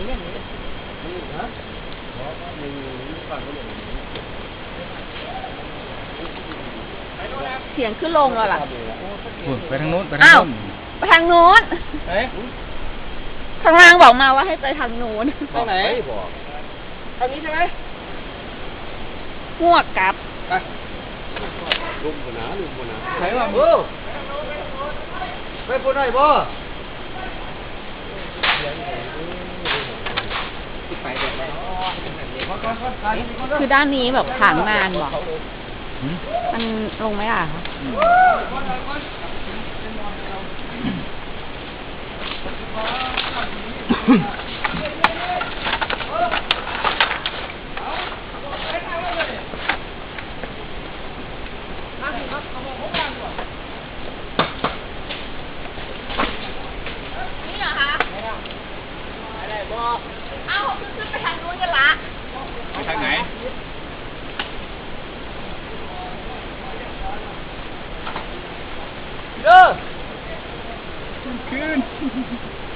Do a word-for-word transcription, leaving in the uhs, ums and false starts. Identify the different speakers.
Speaker 1: เนี่ยนี่ฮะมีฝั่งก็อย่างนี้
Speaker 2: เสียงขึ้นลงแล้วล่ะ
Speaker 3: ไปทางโน้นไปทางโน้น
Speaker 2: ไปทางโน้นข้างล่างบอกมาว่าให้ไปทางโน้น
Speaker 1: ทางไหนบอกทางนี้ใช่ไหม
Speaker 2: งวกกลับ
Speaker 1: ไปลุมกันนะลุมกันนะไหนวะเออไปพูดหน่อยบ่
Speaker 2: คือด้านนี้แบบขางนานบอกมันลงไม่ได้คะนี่เหรอคะอะไรบอกเอ้าขึ้นไปทางนู้นกันละ
Speaker 3: ไปทางไหน
Speaker 1: เยอะ
Speaker 3: ขึ้น